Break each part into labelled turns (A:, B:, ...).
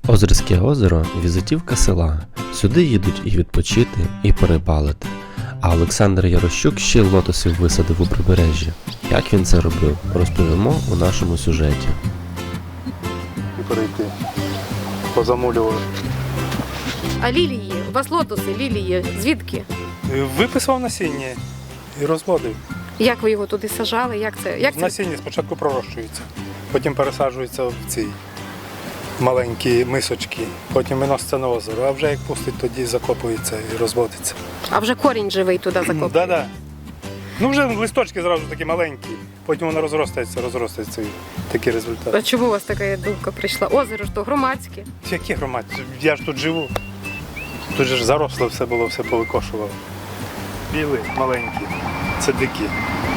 A: Озерське озеро – візитівка села. Сюди їдуть і відпочити, і порибалити. А Олександр Ярощук ще й лотосів висадив у прибережжі. Як він це робив, розповімо у нашому сюжеті.
B: І перейти, позамулював.
C: А лілії? У вас лотоси, лілії, звідки?
B: Виписав насіння і розводив.
C: Як ви його туди сажали? Як це?
B: Насіння спочатку пророщується, потім пересаджується в ці маленькі мисочки, потім виноситься на озеро, а вже як пустить, тоді закопується і розводиться.
C: А вже корінь живий туди закопує?
B: Так. Ну вже листочки зразу такі маленькі, потім воно розростається і такий результат.
C: А чому у вас така думка прийшла? Озеро ж то громадське.
B: Які громадські? Я ж тут живу. Тут же ж заросло все було, все повикошувало. Білі, маленькі, це дикі.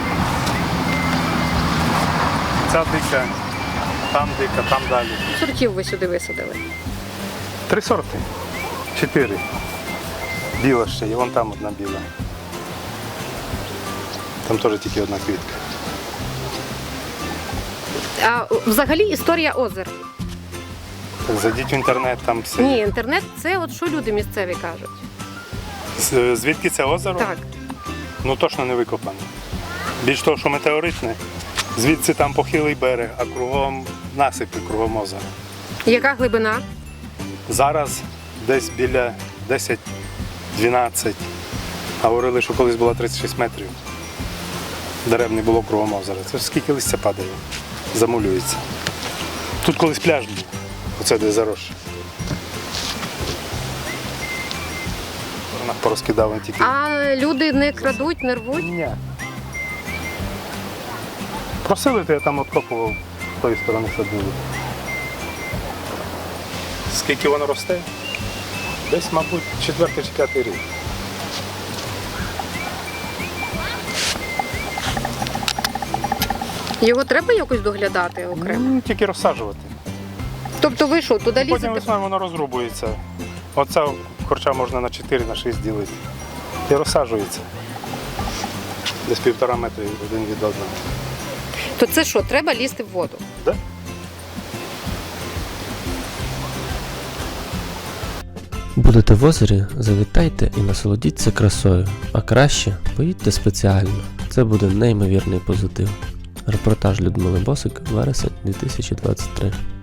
B: Ця дика, там далі.
C: Сортів ви сюди висадили?
B: 3 сорти. 4. Біла ще, і вон там одна біла. Там теж тільки одна квітка.
C: А взагалі історія озер?
B: Так, зайдіть в інтернет, там все.
C: Ні, інтернет – це от що люди місцеві кажуть.
B: Звідки це озеро?
C: Так.
B: Ну точно не викопане. Більш того, що метеоритне, звідси там похилий берег, а кругом насипи, кругом озера.
C: Яка глибина?
B: Зараз десь біля 10-12, а говорили, що колись було 36 метрів. Дерев не було кругом озера. Це ж скільки листя падає, замулюється. Тут колись пляж був, оце де заросше. Порозкидав він тільки.
C: А люди не крадуть, не рвуть?
B: Ні. Просили, то я там откопував, з тої сторони садили. Скільки воно росте? Десь, мабуть, 4 чи 5 рік.
C: Його треба якось доглядати окремо?
B: Тільки розсаджувати.
C: Тобто ви що, туди
B: Потім
C: лізете?
B: весною воно розрубується. Оце корча можна на 4-6 ділити. І розсаджується. Десь 1,5 метри один від одного.
C: То це що, треба лізти в воду?
B: Да?
A: Будете в озері, завітайте і насолодіться красою, а краще поїдьте спеціально. Це буде неймовірний позитив. Репортаж Людмили Босик, вересень 2023.